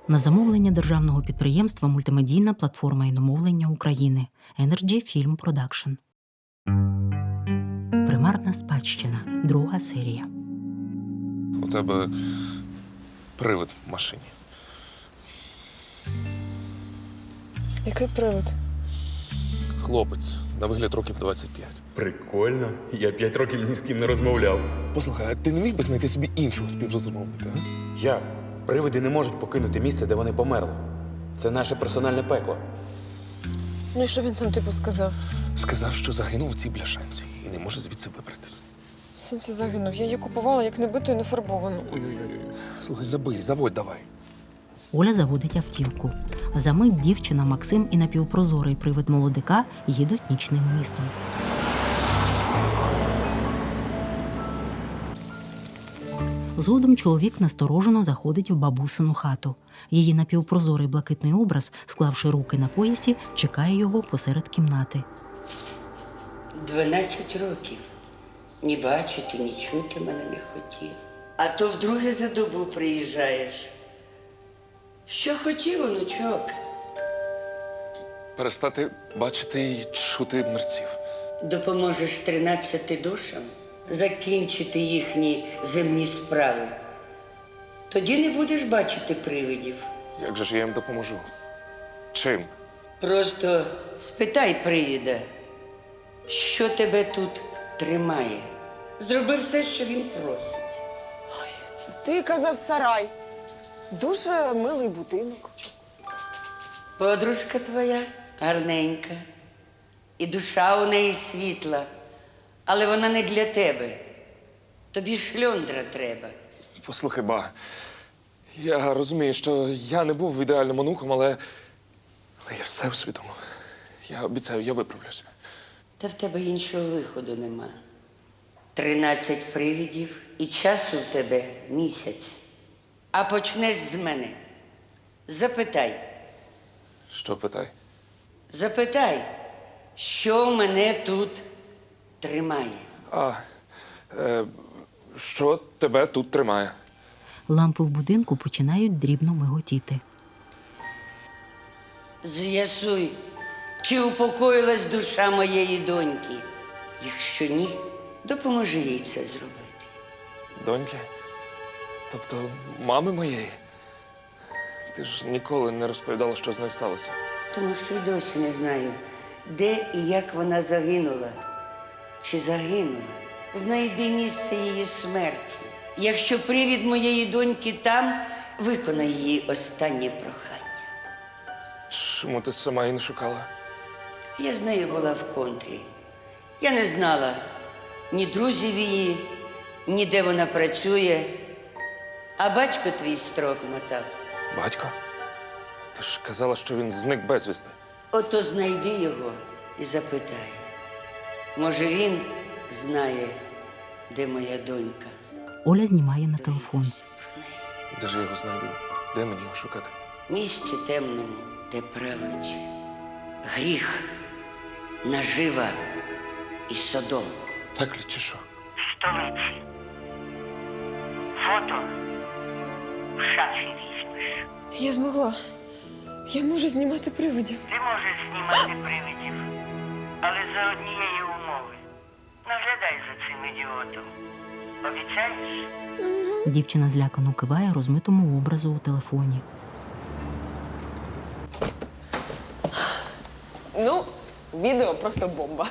На замовлення державного підприємства «Мультимедійна платформа іномовлення України» Energy Film Production. Примарна спадщина. 2 серія. У тебе привид в машині. Який привид? Хлопець, на вигляд років 25. Прикольно. Я 5 років ні з ким не розмовляв. Послухай, а ти не міг би знайти собі іншого співрозмовника, а? Як? Привиди не можуть покинути місце, де вони померли. Це наше персональне пекло. Ну і що він там типу сказав? Сказав, що загинув у цій бляшанці і не може звідси вибратися. В сенсі загинув. Я її купувала як небиту і нефарбовану. Ой-ой-ой. Слухай, забий, заводь давай. Оля заводить автівку. Замить дівчина, Максим і напівпрозорий привид молодика їдуть нічним містом. Згодом чоловік насторожено заходить в бабусину хату. Її напівпрозорий блакитний образ, склавши руки на поясі, чекає його посеред кімнати. 12 років. Ні бачити, ні чути мене не хотів. А то вдруге за добу приїжджаєш. Що хотів, онучок? Перестати бачити і чути мерців. Допоможеш 13 душам закінчити їхні земні справи. Тоді не будеш бачити привидів. Як же ж я їм допоможу? Чим? Просто спитай привида, що тебе тут тримає. Зроби все, що він просить. Ти казав сарай. Дуже милий будинок. Подружка твоя гарненька, і душа у неї світла, але вона не для тебе. Тобі шльондра треба. Послухай, ба, я розумію, що я не був ідеальним онуком, але я все усвідомив. Я обіцяю, я виправлюся. Та в тебе іншого виходу нема. 13 привидів і часу в тебе місяць. А почнеш з мене. Запитай. Що питай? Запитай, що мене тут тримає. Що тебе тут тримає? Лампи в будинку починають дрібно миготіти. З'ясуй, чи упокоїлась душа моєї доньки. Якщо ні, допоможи їй це зробити. Доньки? Тобто мами моєї? Ти ж ніколи не розповідала, що з нею сталося. Тому що й досі не знаю, де і як вона загинула. Чи загинула? Знайди місце її смерті. Якщо привід моєї доньки там, виконай її останнє прохання. Чому ти сама її не шукала? Я з нею була в контрі. Я не знала ні друзів її, ні де вона працює. А батько твій строк мотав. Батько? Ти ж казала, що він зник безвісти. Ото знайди його і запитай. Може, він знає, де моя донька. Оля знімає на телефон. Де ж я його знайду? Де мені його шукати? В місці темному, де править гріх, нажива і содом. Пеклі чи що? Столиці. Фото в шафі візьмеш. Я змогла. Я можу знімати привидів. Ти можеш знімати привидів, але за однієї умови. Наглядай за цим ідіотом. Обіцяєш? Дівчина злякано киває розмитому образу у телефоні. Ну, відео просто бомба.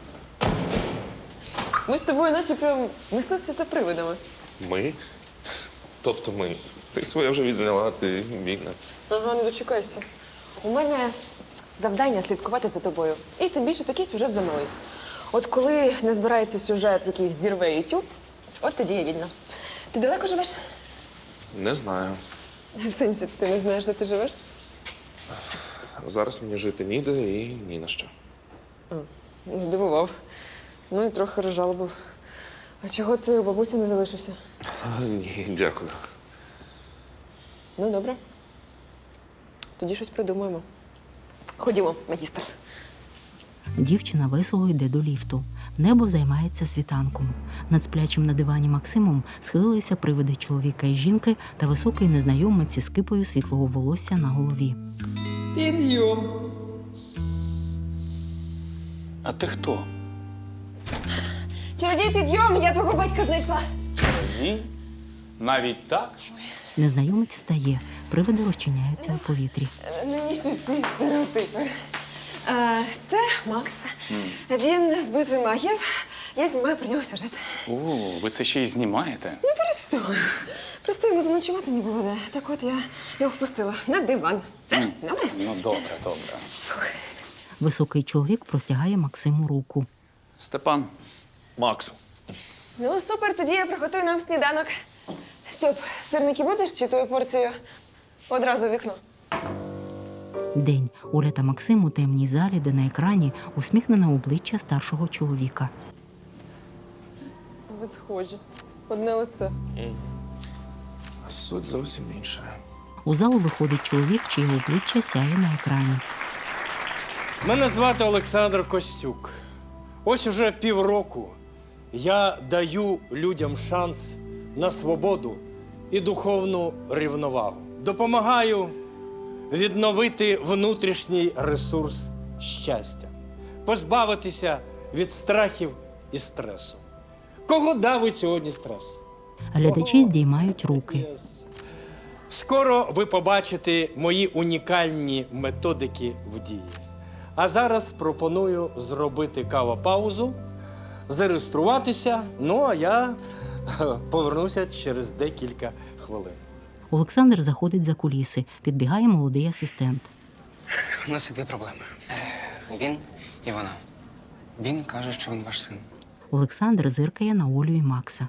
Ми з тобою наче прям мисливці за привидами. Ми? Тобто ми. Ти своє вже відзняла, ти вільна. Ага, не дочекайся. У мене завдання слідкувати за тобою. І тим більше такий сюжет замалий. От коли не збирається сюжет, який зірве YouTube, от тоді я вільна. Ти далеко живеш? Не знаю. В сенсі, ти не знаєш, де ти живеш? Зараз мені жити ніде і ні на що. Здивував. Ну і трохи розжалобив. А чого ти у бабусі не залишився? Ні, дякую. Ну, добре. Тоді щось придумаємо. Ходімо, магістр. Дівчина весело йде до ліфту. Небо займається світанком. Над сплячим на дивані Максимом схилилися привиди чоловіка і жінки та високий незнайомець із кипою світлого волосся на голові. Підйом. А ти хто? Чародій, підйом! Я твого батька знайшла. Ні. Навіть так? Незнайомець встає. Привиди розчиняються у повітрі. Нинішні ці стереотипи. Це Макс. Він з битви магів. Я знімаю про нього сюжет. О, ви це ще й знімаєте? Ну, перестань. Просто йому заночувати не було де. Так от я його впустила на диван. Все, добре? Ну, добре, добре. Високий чоловік простягає Максиму руку. Степан, Макс. Ну, супер, тоді я приготую нам сніданок. Стьоп, сирники будеш чи твою порцію одразу в вікно? День. Оля та Максим у темній залі, де на екрані усміхнене обличчя старшого чоловіка. Ви схожі. Одне лице. Суть зовсім інша. У залу виходить чоловік, чиє обличчя сяє на екрані. Мене звати Олександр Костюк. Ось уже півроку я даю людям шанс на свободу і духовну рівновагу. Допомагаю відновити внутрішній ресурс щастя, позбавитися від страхів і стресу. Кого давить сьогодні стрес? Глядачі здіймають руки. Скоро ви побачите мої унікальні методики в дії. А зараз пропоную зробити кава-паузу, зареєструватися, ну а я повернуся через декілька хвилин. Олександр заходить за куліси. Підбігає молодий асистент. У нас є дві проблеми. Він і вона. Він каже, що він ваш син. Олександр зиркає на Олю і Макса.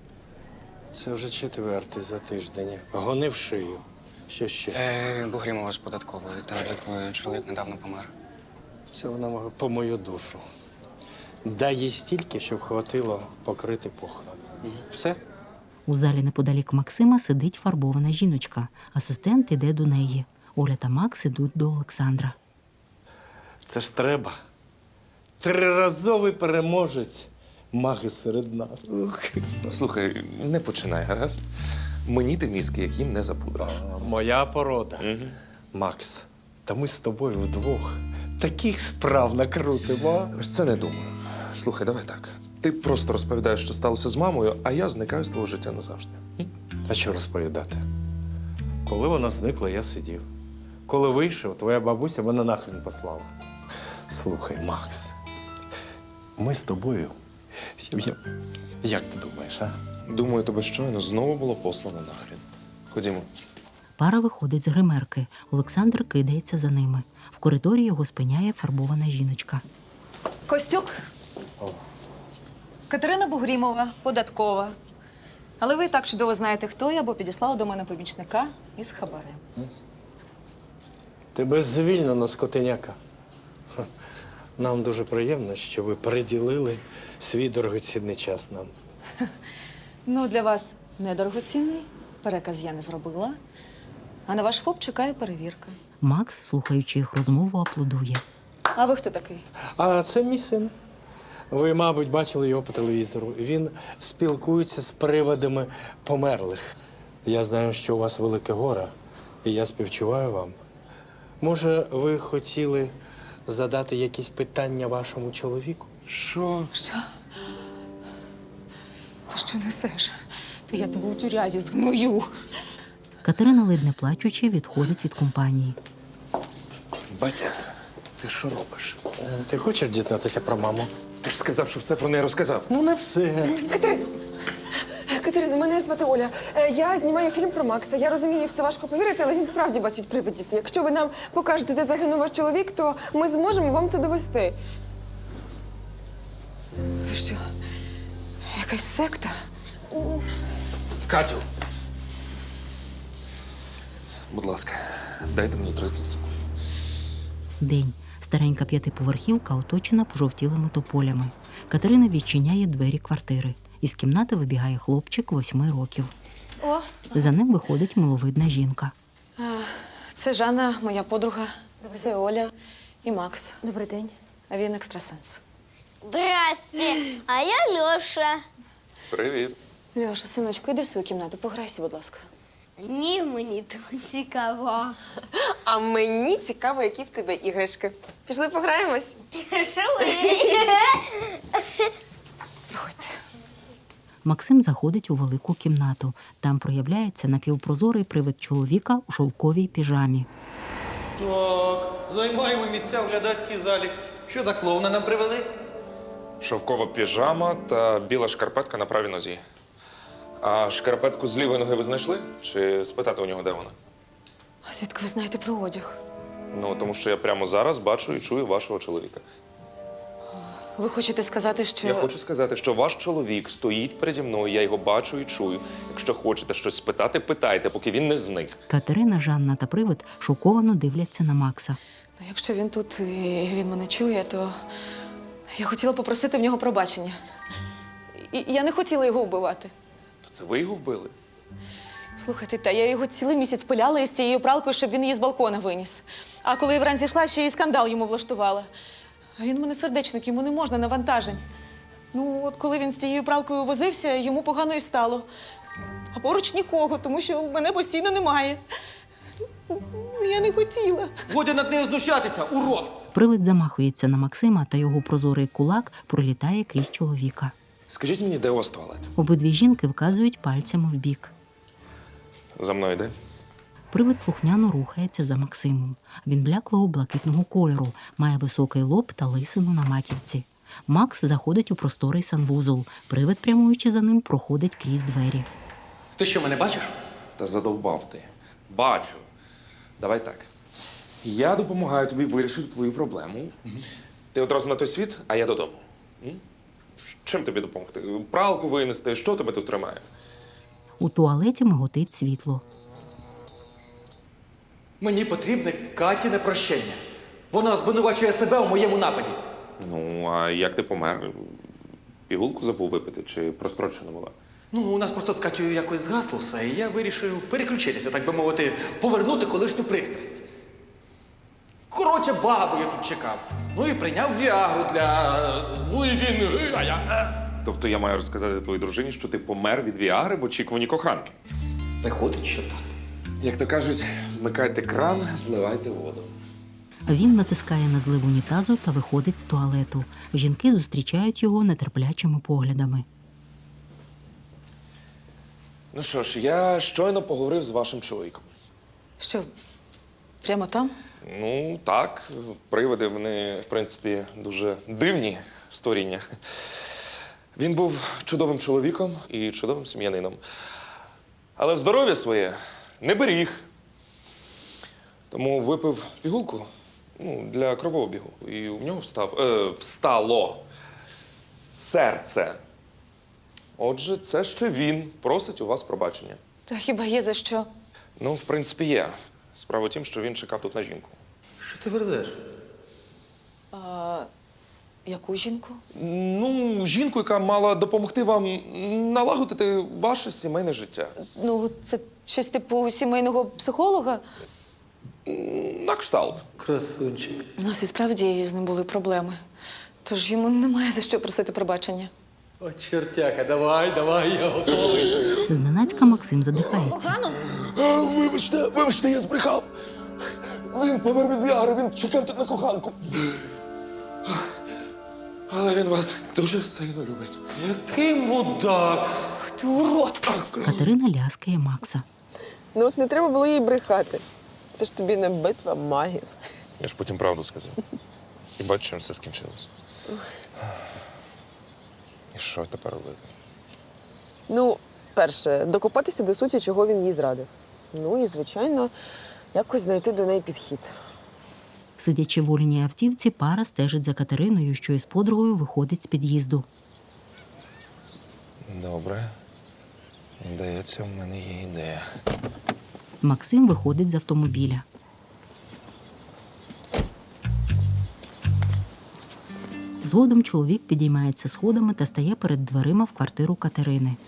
Це вже четвертий за тиждень. Гони в шию. Що ще? Бугрімова з податкової, та в якої чоловік недавно помер. Це вона по мою душу. Дай їй стільки, щоб хватило покрити похорон. Все? У залі неподалік Максима сидить фарбована жіночка. Асистент іде до неї. Оля та Макс ідуть до Олександра. Це ж треба. Триразовий переможець. Маги серед нас. Ух. Слухай, не починай, гаразд? Мені ти мізки, як їм не запудриш. Моя порода. Макс, та ми з тобою вдвох таких справ накрутимо. Ось це не думаю. Слухай, давай так. Ти просто розповідаєш, що сталося з мамою, а я зникаю з твого життя назавжди. А що розповідати? Коли вона зникла, я сидів. Коли вийшов, твоя бабуся мене нахрен послала. Слухай, Макс, ми з тобою. Як ти думаєш, а? Думаю, тебе щойно знову було послано нахрін. Ходімо. Пара виходить з гримерки. Олександр кидається за ними. В коридорі його спиняє фарбована жіночка. Костюк. Катерина Бугрімова, податкова. Але ви і так чудово знаєте, хто я, бо підіслала до мене помічника із хабарем. Тебе звільнено, скотиняка. Ха. Нам дуже приємно, що ви приділили свій дорогоцінний час нам. Ну, для вас недорогоцінний. Переказ я не зробила. А на ваш ФОП чекає перевірка. Макс, слухаючи їх розмову, аплодує. А ви хто такий? А це мій син. Ви, мабуть, бачили його по телевізору. Він спілкується з привидами померлих. Я знаю, що у вас велике горе, і я співчуваю вам. Може, ви хотіли задати якісь питання вашому чоловіку? Що? Ти що несеш? Та я тебе у тюрязі згною. Катерина, ледь не плачучи, відходить від компанії. Батя, ти що робиш? Ти хочеш дізнатися про маму? Ти ж сказав, що все про неї розказав. Ну, не все. Катерина, мене звати Оля. Я знімаю фільм про Макса. Я розумію, в це важко повірити, але він справді бачить привидів. Якщо ви нам покажете, де загинув ваш чоловік, то ми зможемо вам це довести. Ви що, якась секта? Катю! Будь ласка, дайте мені 30 секунд. День. Старенька п'ятиповерхівка оточена пожовтілими тополями. Катерина відчиняє двері квартири. Із кімнати вибігає хлопчик 8 років. О, За ним виходить миловидна жінка. це Жанна, моя подруга. Це Оля і Макс. Добрий день. а він екстрасенс. Здрасте, а я Льоша. Привіт. Льоша, синочку, іди в свою кімнату, пограйся, будь ласка. Ні, мені тут цікаво. А мені цікаво, які в тебе іграшки. Пішли пограємось? Пішли. Проходьте. Максим заходить у велику кімнату. Там проявляється напівпрозорий привид чоловіка у шовковій піжамі. Так, займаємо місця в глядацькій залі. Що за клоуна нам привели? Шовкова піжама та біла шкарпетка на правій нозі. А шкарпетку з лівої ноги ви знайшли? Чи спитати у нього, де вона? А звідки ви знаєте про одяг? Ну, тому що я прямо зараз бачу і чую вашого чоловіка. Ви хочете сказати, що... Я хочу сказати, що ваш чоловік стоїть переді мною, я його бачу і чую. Якщо хочете щось спитати, питайте, поки він не зник. Катерина, Жанна та привид шоковано дивляться на Макса. Ну, якщо він тут і він мене чує, то я хотіла попросити в нього пробачення. І я не хотіла його вбивати. То це ви його вбили? Слухайте, та я його цілий місяць пиляла із цією пралкою, щоб він її з балкона виніс. А коли я вранці йшла, ще й скандал йому влаштувала. А він у мене сердечник, йому не можна навантажень. Ну, от коли він з тією пралкою возився, йому погано і стало. А поруч нікого, тому що мене постійно немає. Ну, я не хотіла. Годі над нею знущатися, урод! Привид замахується на Максима, та його прозорий кулак пролітає крізь чоловіка. Скажіть мені, де у вас туалет? Обидві жінки вказують пальцями вбік. За мною йде. Привид слухняно рухається за Максимом. Він бляклого блакитного кольору, має високий лоб та лисину на маківці. Макс заходить у просторий санвузол. Привид, прямуючи за ним, проходить крізь двері. Ти що, мене бачиш? Та задовбав ти. Бачу. Давай так. Я допомагаю тобі вирішити твою проблему. Ти одразу на той світ, а я додому. М? Чим тобі допомогти? Пралку винести? Що тебе тут тримає? У туалеті миготить світло. Мені потрібне Катіне прощення. Вона звинувачує себе у моєму нападі. Ну, а як ти помер? Пігулку забув випити чи прострочена була? Ну, у нас просто з Катєю якось згасло все, і я вирішив переключитися, так би мовити, повернути колишню пристрасть. Коротше, бабу я тут чекав. Ну і прийняв Віагру для... Ну і він... А я... Тобто я маю розказати твоїй дружині, що ти помер від Віагри в очікуванні коханки. Виходить, що так. Як то кажуть, вмикайте кран, зливайте воду. Він натискає на злив унітазу та виходить з туалету. Жінки зустрічають його нетерплячими поглядами. Ну що ж, я щойно поговорив з вашим чоловіком. Що, прямо там? Ну, так, привиди, вони, в принципі, дуже дивні створіння. Він був чудовим чоловіком і чудовим сім'янином. Але здоров'я своє не беріг. Тому випив пігулку для кровообігу. І у нього встало серце. Отже, це ще він просить у вас пробачення. Та хіба є за що? Ну, в принципі, є. Справа в тім, що він чекав тут на жінку. Що ти верзеш? А яку жінку? Ну, жінку, яка мала допомогти вам налагодити ваше сімейне життя. Ну, це щось типу сімейного психолога? На кшталт. Красунчик. У нас і справді з ним були проблеми. Тож йому немає за що просити пробачення. О, чертяка, давай, я готовий. Зненацька Максим задихається. Вибачте, я збрехав. Він помер від Віагри, він чекав тут на коханку. Але він вас дуже сильно любить. Який мудак. Ти урод! Катерина ляскає Макса. Ну от не треба було їй брехати. Це ж тобі не битва магів. Я ж потім правду сказав. І бачу, чим все скінчилось. І що тепер робити? Ну, перше, докопатися до суті, чого він їй зрадив. Ну і, звичайно, якось знайти до неї підхід. Сидячи в Оліній автівці, пара стежить за Катериною, що із подругою виходить з під'їзду. Добре. Здається, в мене є ідея. Максим виходить з автомобіля. Згодом чоловік підіймається сходами та стає перед дверима в квартиру Катерини.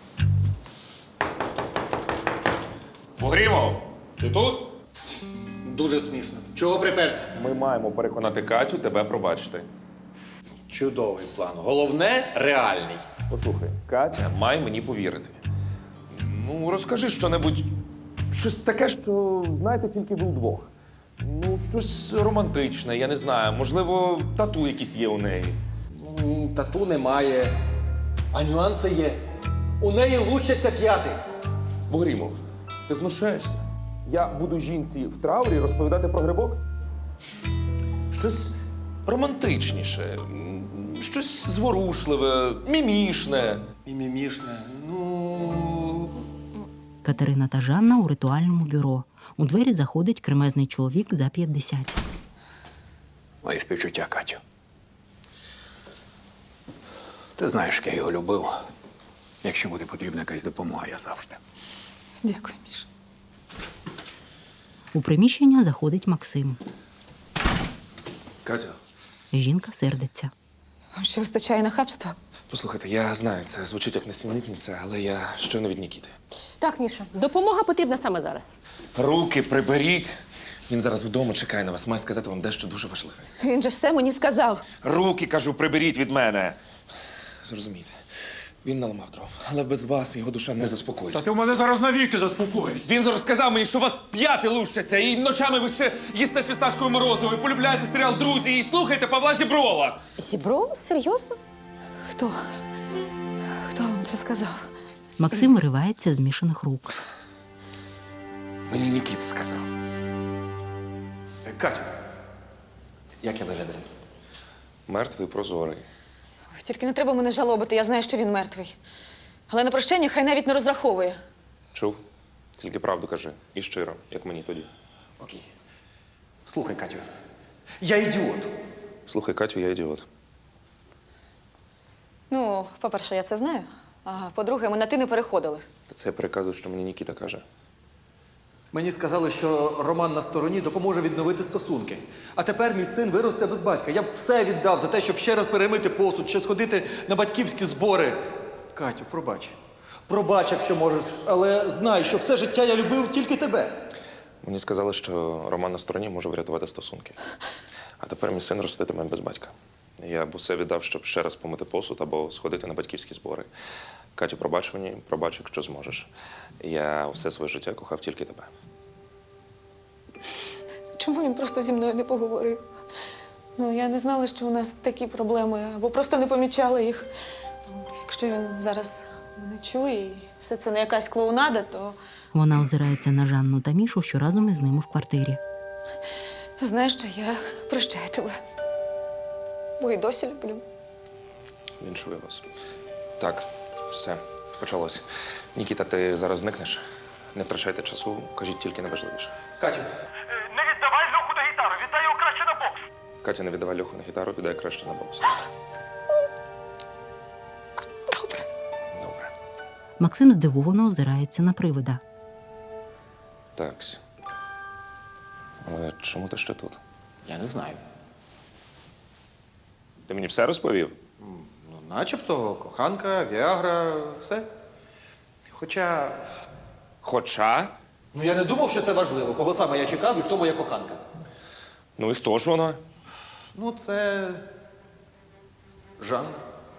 Погрімов, ти тут? Дуже смішно. Чого приперся? Ми маємо переконати Катю тебе пробачити. Чудовий план. Головне реальний. Послухай, Катя має мені повірити. Ну, розкажи щонебудь, щось таке, що знаєте тільки ви вдвох. Ну, щось романтичне, я не знаю. Можливо, тату якісь є у неї. Тату немає, а нюанси є. У неї лучаться п'яти. Богрімов, ти знущаєшся? Я буду жінці в траурі розповідати про грибок? Щось романтичніше, щось зворушливе, мімішне. Мімішне. Ну. Катерина та Жанна у ритуальному бюро. У двері заходить кремезний чоловік за 50. Мої співчуття, Катю. Ти знаєш, як я його любив. Якщо буде потрібна якась допомога, я завжди. Дякую, Міш. У приміщення заходить Максим. Катя, Жінка сердиться. Вам ще вистачає нахабства? послухайте, я знаю, це звучить як несенітниця, але я щойно від Нікіти. Так, Міша, допомога потрібна саме зараз. Руки приберіть. Він зараз вдома чекає на вас, має сказати вам дещо дуже важливе. Він же все мені сказав. Руки, кажу, приберіть від мене. Зрозумійте, він наламав дров, але без вас його душа не заспокоїться. Та ти в мене зараз навіки заспокоїш. Він зараз сказав мені, що у вас п'яти лущаться, і ночами ви ще їсте фісташкове морозиво, і полюбляєте серіал «Друзі», і слухаєте Павла Зіброва. Зібров? Серйозно? Хто? Хто вам це сказав? Максим виривається з мішаних рук. Мені Нікіта сказав. Катю, як я виглядаю? Мертвий прозорий. Ой, тільки не треба мене жалобити, я знаю, що він мертвий. Але на прощення хай навіть не розраховує. Чув? Тільки правду кажи. І щиро, як мені тоді. Окей. Слухай, Катю, я ідіот. Слухай, Катю, я ідіот. Ну, по-перше, я це знаю. А по-друге, ми на ти не переходили. Та це я переказую, що мені Нікіта каже. Мені сказали, що Роман на стороні допоможе відновити стосунки. А тепер мій син виросте без батька. Я б все віддав за те, щоб ще раз перемити посуд, ще сходити на батьківські збори. Катю, пробач. Пробач, якщо можеш, але знай, що все життя я любив тільки тебе. Мені сказали, що Роман на стороні може врятувати стосунки. А тепер мій син роститиме без батька. Я б усе віддав, щоб ще раз помити посуд або сходити на батьківські збори. Катю, пробач мені, пробач, якщо зможеш. Я все своє життя кохав тільки тебе. Чому він просто зі мною не поговорив? Ну, я не знала, що у нас такі проблеми, або просто не помічала їх. Якщо він зараз не чує і все це не якась клоунада, то Вона озирається на Жанну та Мішу, що разом із ними в квартирі. знаєш що, я прощаю тебе. Бо і досі люблю. Віншую вас. Так, все, почалось. Нікіта, ти зараз зникнеш? Не втрачайте часу, кажіть тільки найважливіше. Катю. Не віддавай Льоху на гітару, віддай його краще на бокс. Катя, не віддавай Льоху на гітару, віддай краще на бокс. Добре. Максим здивовано озирається на привида. Такс. Але чому ти ще тут? Я не знаю. Ти мені все розповів? Ну, начебто, коханка, Віагра, все. Хоча. Хоча? Ну, я не думав, що це важливо. Кого саме я чекав і хто моя коханка. Ну і хто ж вона? Ну, це. Жан.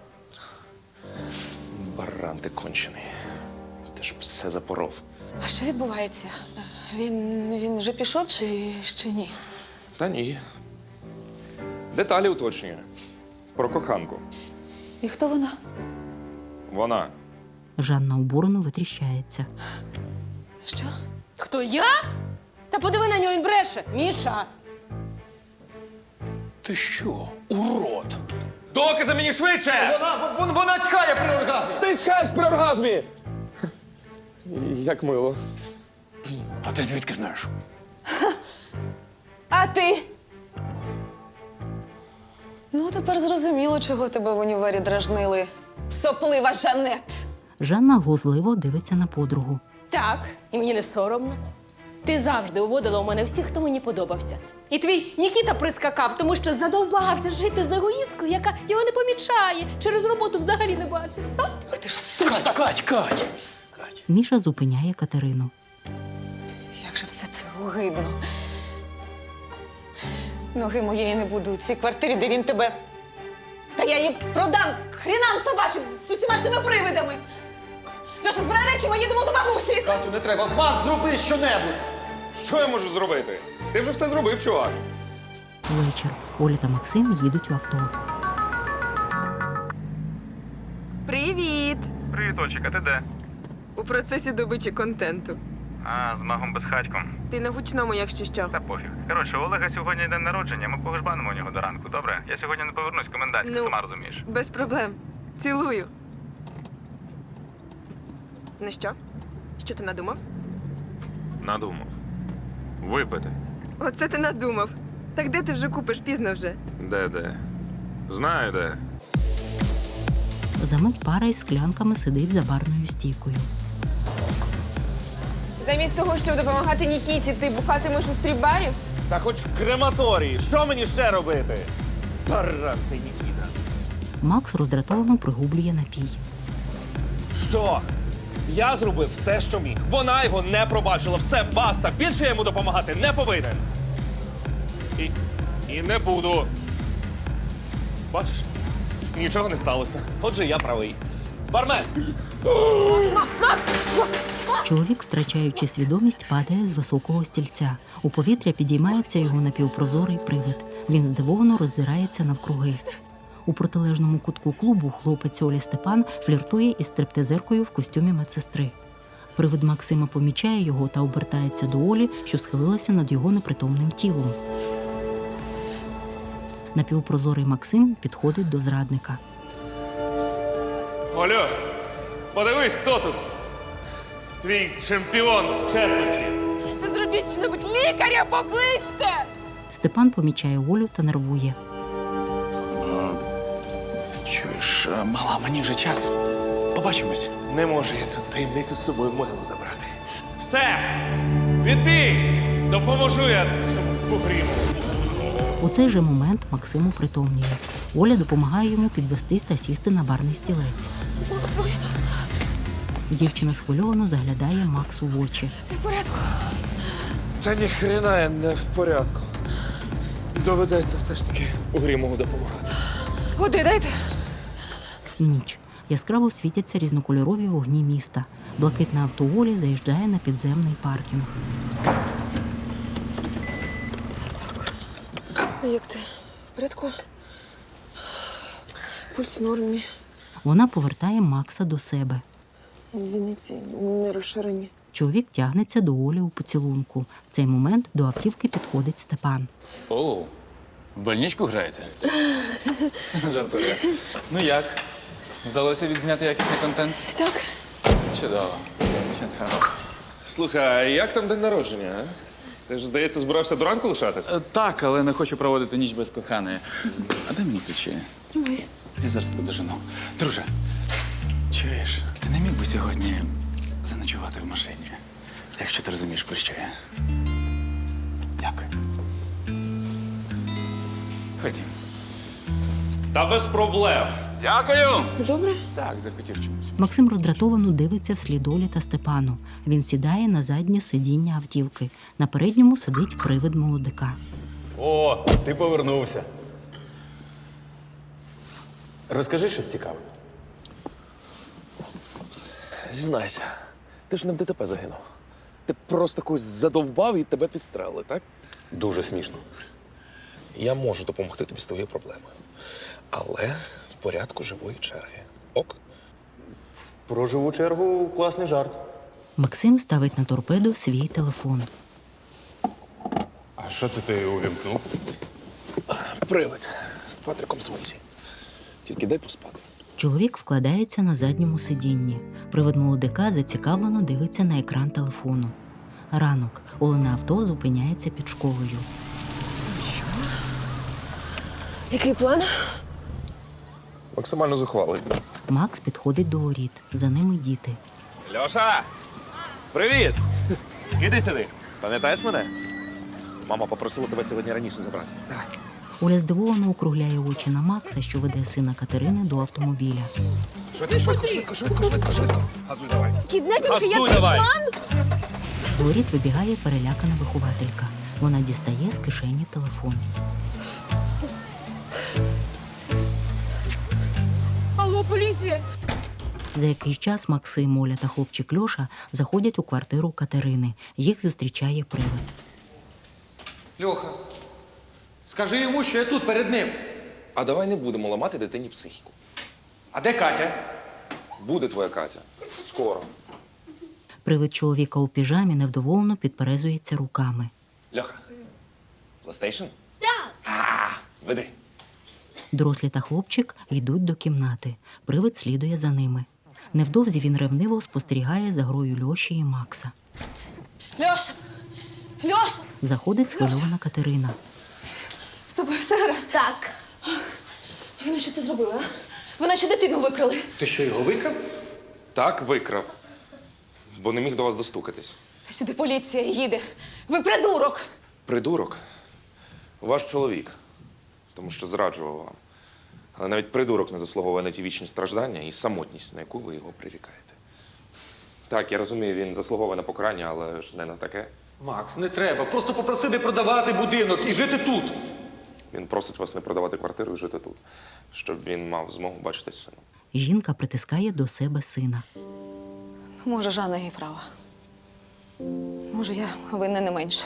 Баран ти кончений. Ти ж все запоров. А що відбувається? Він вже пішов чи ще ні? Та ні. Деталі уточнює. Про коханку. І хто вона? Вона. Жанна обурено витріщається. Що? Хто я? Та подиви на нього, він бреше. Міша! Ти що, урод? Докази мені швидше! Вона чхає при оргазмі! Ти чекаєш при оргазмі! Як мило. А ти звідки знаєш? А ти? Ну, тепер зрозуміло, чого тебе в універі дражнили. Соплива Жанет! Жанна глузливо дивиться на подругу. Так, і мені не соромно. Ти завжди уводила у мене всіх, хто мені подобався. І твій Нікіта прискакав, тому що задовбався жити з егоїсткою, яка його не помічає, через роботу взагалі не бачить. Ах ти ж суча! Кать! Міша зупиняє Катерину. Як же все це огидно. Ноги моєї не буде у цій квартирі, де він тебе. Та я її продам хрінам собачим з усіма цими привидами. Льоша, збирай речі, ми їдемо до бабусі. Катю, не треба. Макс, зроби щонебудь. Що я можу зробити? Ти вже все зробив, чувак. Вечір. Оля та Максим їдуть в авто. Привіт! Привіт, Ольчик, а ти де? У процесі добичі контенту. А, з магом Безхатьком. Ти на гучному, якщо що. Та пофіг. Коротше, у Олега сьогодні день народження, ми погожбанимо у нього до ранку, добре? Я сьогодні не повернусь, комендантська, Ну. сама розумієш. Без проблем. Цілую. Ну що? Що ти надумав? Надумав. Випити. Оце ти надумав. Так де ти вже купиш? Пізно вже. Де? Знаю, де. Замить пара із склянками сидить за барною стійкою. Замість того, щоб допомагати Нікіті, ти бухатимеш у стріп-барі? Та хоч в крематорії. Що мені ще робити? Баран цей Нікіта. Макс роздратовано пригублює напій. Що? Я зробив все, що міг. Вона його не пробачила. Все, баста. Більше я йому допомагати не повинен. І не буду. Бачиш? Нічого не сталося. Отже, я правий. Бармен! Макс! Чоловік, втрачаючи свідомість, падає з високого стільця. У повітря підіймається його напівпрозорий привид. Він здивовано роззирається навкруги. У протилежному кутку клубу хлопець Олі Степан фліртує із стриптизеркою в костюмі медсестри. Привид Максима помічає його та обертається до Олі, що схилилася над його непритомним тілом. Напівпрозорий Максим підходить до зрадника. Олю, подивись, хто тут? Твій чемпіон з чесності. Ти зробіть що-небудь, лікаря покличте! Степан помічає Олю та нервує. Чуєш, мала, мені вже час. Побачимось. Не можу я цю таємницю з собою в могилу забрати. Все! Відбій! Допоможу я цьому бугріму. У цей же момент Максиму притомніє. Оля допомагає йому підвестись та сісти на барний стілець. Дівчина схвильовано заглядає Максу в очі. Ти в порядку? Та ніхрена я не в порядку. Доведеться все ж таки Угрімову допомагати. Води дайте. Ніч. Яскраво світяться різнокольорові вогні міста. Блакитне авто Олі заїжджає на підземний паркінг. Як ти? В порядку? Пульс в нормі. Вона повертає Макса до себе. Зіниці не розширені. Чоловік тягнеться до Олі у поцілунку. В цей момент до автівки підходить Степан. О, в больничку граєте? Жартую. Ну як? Вдалося відзняти якісний контент? Так. Чудово. Чудово. Слухай, а як там день народження, а? Ти ж, здається, збирався до ранку лишатись? Так, але не хочу проводити ніч без коханої. А дай мені ключі. Давай. Я зараз тебе дожену. Друже, чуєш, ти не міг би сьогодні заночувати в машині, якщо ти розумієш, про що я. Дякую. Ходім. Та без проблем. Дякую! Все добре? Так, захотів чомусь. Максим роздратовано дивиться вслід Олі та Степану. Він сідає на заднє сидіння автівки. На передньому сидить привид молодика. О, ти повернувся. Розкажи щось цікаве. Зізнайся, ти ж не в ДТП загинув. Ти просто когось задовбав і тебе підстрелили, так? Дуже смішно. Я можу допомогти тобі з твоєю проблемою. Але в порядку живої черги. Ок? Про живу чергу класний жарт. Максим ставить на торпеду свій телефон. А що це ти увімкнув? Привид з Патриком Смисі. Тільки дай поспати. Чоловік вкладається на задньому сидінні. Привид молодика зацікавлено дивиться на екран телефону. Ранок. Олене авто зупиняється під школою. Який план? Максимально зухвалий. Макс підходить до воріт. За ними діти. Льоша! Привіт! Іди сюди. Пам'ятаєш мене? Мама попросила тебе сьогодні раніше забрати. Давай. Оля здивовано округляє очі на Макса, що веде сина Катерини до автомобіля. Швидко. Газуй давай. Кіднепінг, Газуй який давай. план? З воріт вибігає перелякана вихователька. Вона дістає з кишені телефон. поліція! За якийсь час Максим, Оля та хлопчик Льоша заходять у квартиру Катерини. Їх зустрічає привид. Льоха, скажи йому, що я тут перед ним. А давай не будемо ламати дитині психіку. А де Катя? Буде твоя Катя. Скоро. Привид чоловіка у піжамі невдоволено підперезується руками. Льоха, PlayStation? Так. Веди. Дорослі та хлопчик йдуть до кімнати. Привид слідує за ними. Невдовзі він ревниво спостерігає за грою Льоші і Макса. Льоша! Льоша! Заходить схвильована Катерина. З тобою все гаразд? Так. Ви на що це зробили, а? Ви наче дитину викрали. Ти що, його викрав? Так, викрав. Бо не міг до вас достукатись. Сюди поліція їде. Ви придурок! Придурок? Ваш чоловік. Тому що зраджував вам. Але навіть придурок не заслуговує на ті вічні страждання і самотність, на яку ви його прирікаєте. Так, я розумію, він заслуговує на покарання, але ж не на таке. Макс, не треба. Просто попроси не продавати будинок і жити тут. Він просить вас не продавати квартиру і жити тут, щоб він мав змогу бачитись з сином. Жінка притискає до себе сина. Може, Жанна і права. Може, я винна не менше.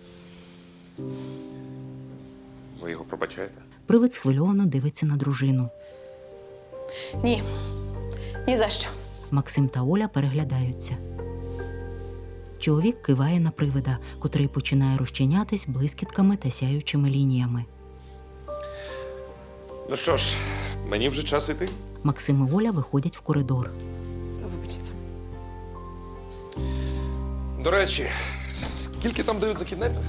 Ви його пробачаєте? Привид схвильовано дивиться на дружину. Ні. Ні за що. Максим та Оля переглядаються. Чоловік киває на привида, котрий починає розчинятись блискітками та сяючими лініями. Ну що ж, мені вже час іти. Максим і Оля виходять в коридор. Вибачте. До речі, скільки там дають за кіднепінг?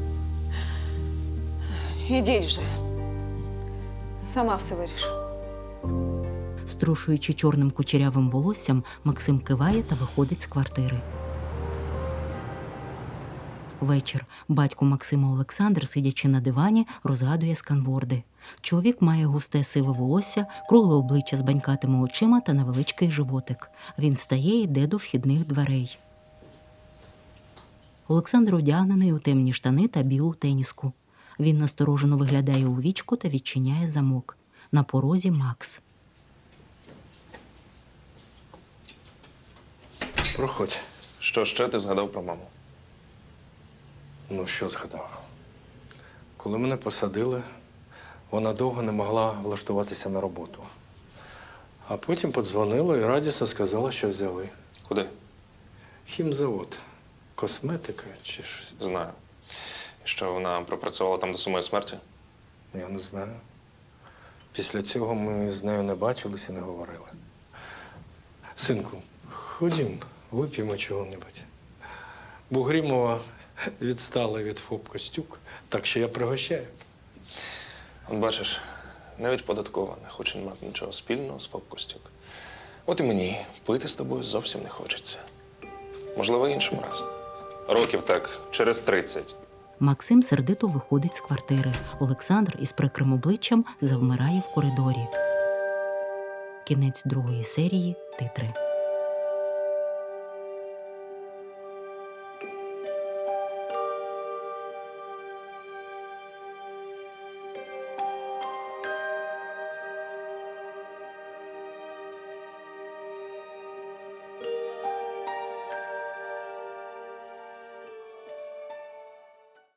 Ідіть вже. Сама все вирішу. Струшуючи чорним кучерявим волоссям, Максим киває та виходить з квартири. Вечір. Батько Максима Олександр, сидячи на дивані, розгадує сканворди. Чоловік має густе сиве волосся, кругле обличчя з банькатими очима та невеличкий животик. Він встає і йде до вхідних дверей. Олександр одягнений у темні штани та білу теніску. Він насторожено виглядає у вічко та відчиняє замок. На порозі Макс. Проходь. Що ще ти згадав про маму? Ну, що згадав? Коли мене посадили, вона довго не могла влаштуватися на роботу. А потім подзвонила і радісно сказала, що взяли. Куди? Хімзавод. Косметика чи щось. Знаю. І що вона пропрацювала там до самої смерті? Я не знаю. Після цього ми з нею не бачилися, не говорили. Синку, ходім, вип'ємо чого-небудь. Бугрімова відстала від ФОП Костюк, так що я пригощаю. От бачиш, навіть податкова не хоче мати нічого спільного з ФОП Костюк. От і мені пити з тобою зовсім не хочеться. Можливо, іншим разом. Років так, через 30. Максим сердито виходить з квартири. Олександр із прикрим обличчям завмирає в коридорі. Кінець 2-ї серії. Титри.